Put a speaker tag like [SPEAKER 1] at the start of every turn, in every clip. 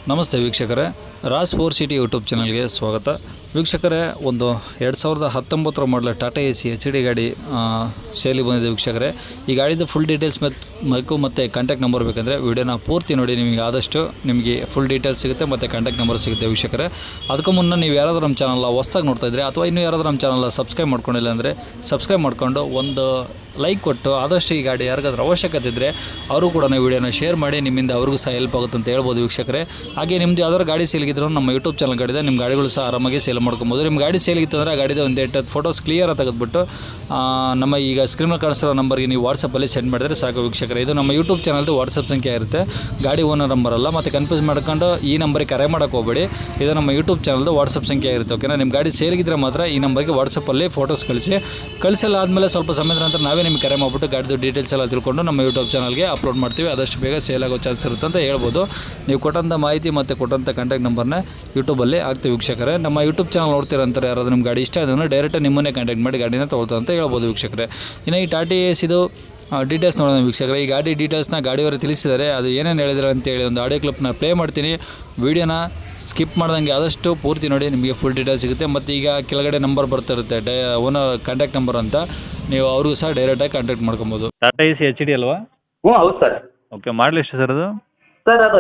[SPEAKER 1] ನಮಸ್ತೆ ವೀಕ್ಷಕರೇ, Raj four city YouTube ಚಾನಲ್ಗೆ ಸ್ವಾಗತ. ವೀಕ್ಷಕರೇ, ಒಂದು 2019 ಮಾಡಲ ಟಾಟಾ AC HD ಗಾಡಿ ಸೇಲಿ ಬಂದಿದೆ ವೀಕ್ಷಕರೇ. ಈ ಗಾಡಿದು ಫುಲ್ ಡೀಟೇಲ್ಸ್ ಮತ್ತು ಕಾಂಟ್ಯಾಕ್ಟ್ ನಂಬರ್ ಬೇಕಂದರೆ ವಿಡಿಯೋನ ಪೂರ್ತಿ ನೋಡಿ. ನಿಮಗೆ ಆದಷ್ಟು ನಿಮಗೆ ಫುಲ್ ಡೀಟೇಲ್ಸ್ ಸಿಗುತ್ತೆ ಮತ್ತು ಕಾಂಟ್ಯಾಕ್ಟ್ ನಂಬರ್ ಸಿಗುತ್ತೆ ವೀಕ್ಷಕರೇ. ಅದಕ್ಕೂ ಮುನ್ನ ನೀವು ಯಾರಾದರೂ ನಮ್ಮ ಚಾನಲ್ನ ಹೊಸ್ದಾಗಿ ನೋಡ್ತಾ ಇದ್ದರೆ ಅಥವಾ ಇನ್ನೂ ಯಾರಾದರೂ ನಮ್ಮ ಚಾನಲ್ನ ಸಬ್ಸ್ಕ್ರೈಬ್ ಮಾಡ್ಕೊಂಡಿಲ್ಲ ಅಂದರೆ ಸಬ್ಸ್ಕ್ರೈಬ್ ಮಾಡಿಕೊಂಡು ಒಂದು ಲೈಕ್ ಕೊಟ್ಟು ಆದಷ್ಟು ಈ ಗಾಡಿ ಯಾರಿಗಾದ್ರೂ ಅವಶ್ಯಕತೆ ಇದ್ದರೆ ಅವರು ಕೂಡ ವಿಡಿಯೋನ ಶೇರ್ ಮಾಡಿ. ನಿಮ್ಮಿಂದ ಅವ್ರಿಗೂ ಸಹ ಹೆಲ್ಪ್ ಆಗುತ್ತೆ ಅಂತ ಹೇಳ್ಬೋದು ವೀಕ್ಷಕರೇ. ಹಾಗೆ ನಿಮ್ಮದು ಯಾವ್ದಾದ್ರು ಗಾಡಿ ಸೇಲ್ಗಿದ್ರು ನಮ್ಮ ಯೂಟ್ಯೂಬ್ ಚಾನಲ್ ಗಾಡಿದೆ, ನಿಮ್ಮ ಗಾಡಿಗಳು ಸಹ ಆರಾಮಾಗಿ ಸೇಲ್ ಮಾಡ್ಕೊಬೋದು. ನಿಮ್ಮ ಗಾಡಿ ಸೇಲ್ಗಿತ್ತಂದರೆ ಆ ಗಾಡಿದ ಒಂದು 8 ಫೋಟೋಸ್ ಕ್ಲಿಯರ್ ತೆಗೆದುಬಿಟ್ಟು ನಮ್ಮ ಈಗ ಸ್ಕ್ರೀನಲ್ಲಿ ಕಾಣಿಸಿರೋ ನಂಬರ್ಗೆ ನೀವು ವಾಟ್ಸಪ್ಪಲ್ಲಿ ಸೆಂಡ್ ಮಾಡಿದರೆ ಸಾಕು ವೀಕ್ಷಕರೇ. ಇದು ನಮ್ಮ ಯೂಟ್ಯೂಬ್ ಚಾನಲ್ದು ವಾಟ್ಸಪ್ ಸಂಖ್ಯೆ ಇರುತ್ತೆ, ಗಾಡಿ ಓನರ್ ನಂಬರ್ ಅಲ್ಲ. ಮತ್ತು ಕನ್ಫ್ಯೂಸ್ ಮಾಡ್ಕೊಂಡು ಈ ನಂಬರಿಗೆ ಕರೆ ಮಾಡೋಕ್ಕೆ ಹೋಗಬೇಡಿ. ಇದು ನಮ್ಮ ಯೂಟ್ಯೂಬ್ ಚಾನಲ್ದು ವಾಟ್ಸಪ್ ಸಂಖ್ಯೆ ಇರುತ್ತೆ, ಓಕೆನಾ. ನಿಮ್ಮ ಗಾಡಿ ಸೇಲ್ಗಿದ್ರೆ ಮಾತ್ರ ಈ ನಂಬರ್ಗೆ ವಾಟ್ಸಪ್ಪಲ್ಲಿ ಫೋಟೋಸ್ ಕಳಿಸಲ್ಲ ಆದಮೇಲೆ ಸ್ವಲ್ಪ ಸಮಯದ ನಂತರ ನಾವೇ ನಿಮಗೆ ಕರೆ ಮಾಡಿಬಿಟ್ಟು ಗಾಡಿದು ಡೀಟೇಲ್ಸ್ ಎಲ್ಲ ತಿಳ್ಕೊಂಡು ನಮ್ಮ ಯೂಟ್ಯೂಬ್ ಚಾನಲ್ಗೆ ಅಪ್ಲೋಡ್ ಮಾಡ್ತೀವಿ. ಆದಷ್ಟು ಬೇಗ ಸೇಲ್ ಆಗೋ ಚಾನ್ಸ್ ಇರುತ್ತೆ ಅಂತ ಹೇಳ್ಬೋದು. ನೀವು ಕೊಟ್ಟಂಥ ಮಾಹಿತಿ ಮತ್ತು ಕೊಟ್ಟಂಥ ಕಾಂಟ್ಯಾಕ್ಟ್ ನಂಬರ್ನ ಯೂಟ್ಯೂಬಲ್ಲಿ ಆಗ್ತೀವಿ ವೀಕ್ಷಕರೇ. ನಮ್ಮ ಯೂಟ್ಯೂಬ್ ಚಾನಲ್ ನೋಡ್ತಿರಂತಾರೆ ಯಾರಾದರೂ ನಿಮ್ಮ ಗಾಡಿ ಇಷ್ಟ ಆದ್ರೆ ಡೈರೆಕ್ಟ್ ನಿಮ್ಮನ್ನೇ ಕಾಂಟ್ಯಾಕ್ಟ್ ಮಾಡಿ ಗಾಡಿನ ತೊಗೊಳ್ತಾ ಅಂತ ಹೇಳ್ಬೋದು ವೀಕ್ಷಕರೇ. ಇನ್ನು ಈ ಟಾಟಾ ACದು ಡೀಟೇಲ್ಸ್ ನೋಡೋಣ ವೀಕ್ಷಕರೇ. ಈ ಗಾಡಿ ಡೀಟೇಲ್ಸ್ನ ಗಾಡಿಯವರು ತಿಳಿಸಿದ್ದಾರೆ, ಅದು ಏನೇನು ಹೇಳಿದ್ರು ಅಂತೇಳಿ ಒಂದು ಆಡಿಯೋ ಕ್ಲಿಪ್ನ ಪ್ಲೇ ಮಾಡ್ತೀನಿ. ವೀಡಿಯೋನ ಸ್ಕಿಪ್ ಮಾಡ್ದಂಗೆ ಆದಷ್ಟು ಪೂರ್ತಿ ನೋಡಿ, ನಿಮಗೆ ಫುಲ್ ಡೀಟೇಲ್ಸ್ ಸಿಗುತ್ತೆ. ಮತ್ತು ಈಗ ಕೆಳಗಡೆ ನಂಬರ್ ಬರ್ತಿರುತ್ತೆ ಓನರ್ ಕಾಂಟ್ಯಾಕ್ಟ್ ನಂಬರ್ ಅಂತ, ನೀವು ಅವ್ರಿಗೂ ಸಹ ಡೈರೆಕ್ಟಾಗಿ ಕಾಂಟ್ಯಾಕ್ಟ್ ಮಾಡ್ಕೊಬೋದು. ಟಾಟಾ AC HD ಅಲ್ವಾ?
[SPEAKER 2] ಹ್ಞೂ ಹೌದು ಸರ್.
[SPEAKER 1] ಓಕೆ, ಮಾಡಲಿ ಎಷ್ಟು ಸರ್ ಅದು?
[SPEAKER 2] ಸರ್ ಅದು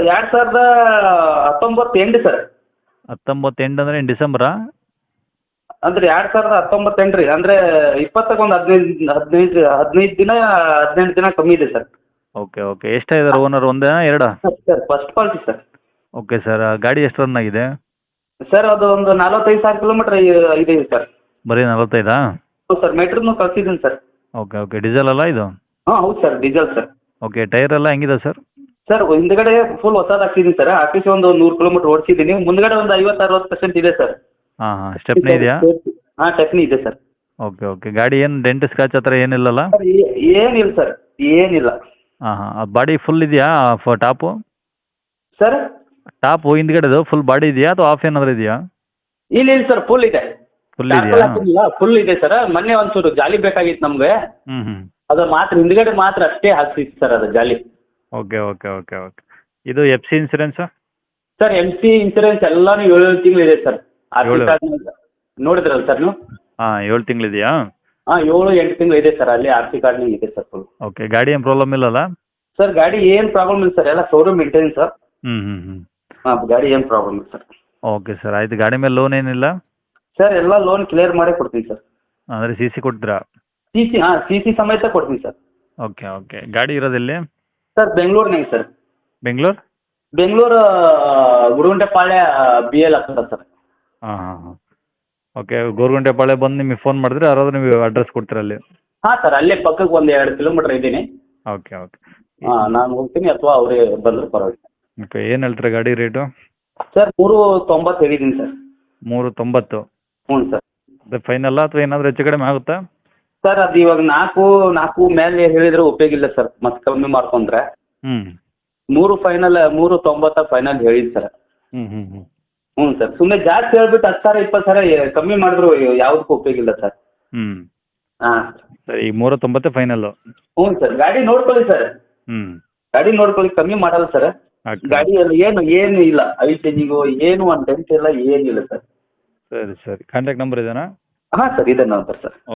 [SPEAKER 2] 2019 ಎಂಡ್ ಸರ್.
[SPEAKER 1] 19 ಎಂಡ್ ಅಂದರೆ ಇನ್ನು ಡಿಸೆಂಬರಾ?
[SPEAKER 2] ಅಂದ್ರೆ 2019 ರೀ. ಅಂದರೆ 20ಕ್ಕೆ ಒಂದು 15 ದಿನ 18 ದಿನ ಕಮ್ಮಿ ಇದೆ ಸರ್.
[SPEAKER 1] Okay okay. ಎಷ್ಟಾಗಿದ್ದಾರೆ ಓನರ್, ಒಂದೇ ಎರಡಾ?
[SPEAKER 2] Sir first party sir.
[SPEAKER 1] Okay sir, ಗಾಡಿ ಎಷ್ಟು ರನ್ ಆಗಿದೆ?
[SPEAKER 2] ಸರ್ ಅದು ಒಂದು 45,000 ಕಿಲೋಮೀಟರ್ ಇದೆ ಸರ್.
[SPEAKER 1] ಬರೀ 45?
[SPEAKER 2] ಹೌದು ಸರ್, ಮೀಟ್ರನ್ನು ಕಳ್ಸಿದ್ದೀನಿ ಸರ್.
[SPEAKER 1] Okay okay. ಡೀಸೆಲ್ ಅಲ್ಲ ಇದು?
[SPEAKER 2] ಹಾಂ ಹೌದು sir, diesel sir.
[SPEAKER 1] Okay, tyre ಎಲ್ಲ ಹೆಂಗಿದೆ ಸರ್?
[SPEAKER 2] ಸರ್ ಹಿಂದ್ಗಡೆ ಫುಲ್ ಹೊಸದು ಹಾಕ್ಸಿದ್ದೀನಿ ಸರ್. ಹಾಕಿಸಿ ಒಂದು 100 ಕಿಲೋಮೀಟರ್ ಓಡಿಸಿದ್ದೀನಿ. ಮುಂದ್ಗಡೆ ಒಂದು 50-60% ಇದೆ ಸರ್.
[SPEAKER 1] ಹಾಂ ಹಾಂ. ಸ್ಟೆಪ್ನಿ ಇದೆಯಾ?
[SPEAKER 2] ಹಾಂ ಟೆಕ್ನಿ ಇದೆ ಸರ್.
[SPEAKER 1] Okay okay. ಗಾಡಿ ಏನು ಡೆಂಟ್ ಸ್ಕ್ರಾಚ್ ಹತ್ರ ಏನಿಲ್ಲಲ್ಲ?
[SPEAKER 2] ಸರ್ ಏನಿಲ್ಲ ಸರ್, ಏನಿಲ್ಲ.
[SPEAKER 1] ಹಾಂ ಹಾಂ. ಬಾಡಿ ಫುಲ್ ಇದೆಯಾ ಟಾಪು?
[SPEAKER 2] ಸರ್
[SPEAKER 1] ಟಾಪು ಹಿಂದ್ಗಡೆದು ಫುಲ್ ಬಾಡಿ ಇದೆಯಾ ಅಥವಾ ಆಫ್ ಏನಾದರೂ ಇದೆಯಾ?
[SPEAKER 2] ಇಲ್ಲ ಫರ್ ಫುಲ್ ಇದೆ.
[SPEAKER 1] ಫುಲ್ ಇದೆಯಾ?
[SPEAKER 2] ಫುಲ್ ಇದೆ ಸರ್. ಮೊನ್ನೆ ಒಂಚೂರು ಜಾಲಿ ಬೇಕಾಗಿತ್ತು ನಮ್ಗೆ,
[SPEAKER 1] ಹ್ಞೂ ಹ್ಞೂ.
[SPEAKER 2] ಅದು ಮಾತ್ರ ಹಿಂದ್ಗಡೆ ಮಾತ್ರ ಅಷ್ಟೇ ಹಾಕ್ಸಿತ್ತು ಸರ್ ಅದು ಜಾಲಿ.
[SPEAKER 1] Okay okay okay okay. ಇದು FC insurance?
[SPEAKER 2] Sir MC insurance ಎಲ್ಲಾನು 7 ತಿಂಗಳು ಇದೆ ಸರ್. ನೋಡಿದ್ರಲ್ಲ ಸರ್ ನೀವು?
[SPEAKER 1] ಹಾಂ, 7 ತಿಂಗಳಿದೆಯಾ?
[SPEAKER 2] ಹಾಂ 7-8 ತಿಂಗಳು ಇದೆ ಸರ್. ಅಲ್ಲಿ RC ಕಾರ್ಡ್ನಾಗ ಇದೆ ಸರ್ ಫುಲ್.
[SPEAKER 1] ಓಕೆ. ಗಾಡಿ ಏನು ಪ್ರಾಬ್ಲಮ್ ಇಲ್ಲಲ್ಲ?
[SPEAKER 2] ಸರ್ ಗಾಡಿ ಏನು ಪ್ರಾಬ್ಲಮ್ ಇಲ್ಲ ಸರ್, ಎಲ್ಲ ಶೋರೂಮ್ ಮೇಂಟೆನೆನ್ಸ್ ಸರ್.
[SPEAKER 1] ಹ್ಞೂ ಹ್ಞೂ ಹ್ಞೂ.
[SPEAKER 2] ಹಾಂ ಗಾಡಿ ಏನು ಪ್ರಾಬ್ಲಮ್ ಇಲ್ಲ ಸರ್.
[SPEAKER 1] ಓಕೆ ಸರ್, ಆಯಿತು. ಗಾಡಿ ಮೇಲೆ ಲೋನ್ ಏನಿಲ್ಲ?
[SPEAKER 2] ಸರ್ ಎಲ್ಲ ಲೋನ್ ಕ್ಲಿಯರ್ ಮಾಡೇ ಕೊಡ್ತೀನಿ ಸರ್.
[SPEAKER 1] ಅಂದರೆ CC ಕೊಡ್ತೀರಾ?
[SPEAKER 2] CC ಸಮೇತ ಕೊಡ್ತೀನಿ ಸರ್.
[SPEAKER 1] Okay okay. ಗಾಡಿ ಇರೋದೆಲ್ಲಿ?
[SPEAKER 2] ಸರ್ ಬೆಂಗಳೂರಿನಾಗ ಸರ್.
[SPEAKER 1] ಬೆಂಗಳೂರು
[SPEAKER 2] ಗುರುಗುಂಟೆಪಾಳ್ಯ BL ಆಗ್ತದೆ ಸರ್.
[SPEAKER 1] ಹಾಂ ಹಾಂ ಹಾಂ. ಓಕೆ. ಗೋರ್ಗುಂಟೆಪಾಳ್ಯ ಬಂದು ನಿಮಗೆ ಫೋನ್ ಮಾಡಿದ್ರೆ ಯಾರಾದರೂ ನೀವು ಅಡ್ರೆಸ್ ಕೊಡ್ತೀರಾ ಅಲ್ಲಿ?
[SPEAKER 2] ಹಾಂ ಸರ್, ಅಲ್ಲೇ ಪಕ್ಕಕ್ಕೆ ಒಂದು 2 ಕಿಲೋಮೀಟರ್ ಇದ್ದೀನಿ.
[SPEAKER 1] Okay okay.
[SPEAKER 2] ಹಾಂ ನಾನು ಹೋಗ್ತೀನಿ ಅಥವಾ ಅವರೇ ಬಂದರೂ ಪರವಾಗಿಲ್ಲ.
[SPEAKER 1] ಓಕೆ. ಏನು ಹೇಳ್ತೀರಾ ಗಾಡಿ ರೇಟು?
[SPEAKER 2] ಸರ್ 390 ಹೇಳಿದ್ದೀನಿ ಸರ್.
[SPEAKER 1] 390? ಹ್ಞೂ
[SPEAKER 2] ಸರ್.
[SPEAKER 1] ಅದು ಫೈನಲ್ಲ ಅಥವಾ ಏನಾದರೂ ಹೆಚ್ಚು ಕಡಿಮೆ ಆಗುತ್ತಾ?
[SPEAKER 2] ಸರ್ ಅದು ಇವಾಗ 4 ಮೇಲೆ ಹೇಳಿದ್ರೆ ಉಪಯೋಗ ಇಲ್ಲ ಸರ್, ಮತ್ತೆ ಕಮ್ಮಿ ಮಾಡ್ಕೊಂಡ್ರೆ. 3 ಫೈನಲ್, 390 ಫೈನಲ್ ಹೇಳಿದ್ದು ಸರ್.
[SPEAKER 1] ಹ್ಞೂ ಹ್ಞೂ ಹ್ಞೂ.
[SPEAKER 2] ಹ್ಞೂ ಸರ್, ಸುಮ್ಮನೆ ಜಾಸ್ತಿ ಹೇಳ್ಬಿಟ್ಟು 10,000-20,000 ಕಮ್ಮಿ ಮಾಡಿದ್ರು ಯಾವುದಕ್ಕೂ ಉಪಯೋಗ ಇಲ್ಲ ಸರ್. ಹಾಂ
[SPEAKER 1] ಸರಿ. 390 ಫೈನಲ್ಲು?
[SPEAKER 2] ಹ್ಞೂ ಸರ್. ಗಾಡಿ ನೋಡ್ಕೊಳ್ಳಿ ಸರ್. ಗಾಡಿ ನೋಡ್ಕೊಳ್ಳಿ, ಕಮ್ಮಿ ಮಾಡಲ್ಲ ಸರ್. ಗಾಡಿಯಲ್ಲಿ ಏನು ಇಲ್ಲ, ಆಯಿಲ್ ಚೇಂಜಿಂಗು ಏನು ಒಂದು ಡೆಂಟ್ ಇಲ್ಲ, ಏನಿಲ್ಲ ಸರ್.
[SPEAKER 1] ಸರಿ ಸರಿ. ಕಾಂಟ್ಯಾಕ್ಟ್ ನಂಬರ್ ಇದೆಯಾ?
[SPEAKER 2] ಹಾಂ ಸರ್, ಇದೆ ನಂಬರ್ ಸರ್.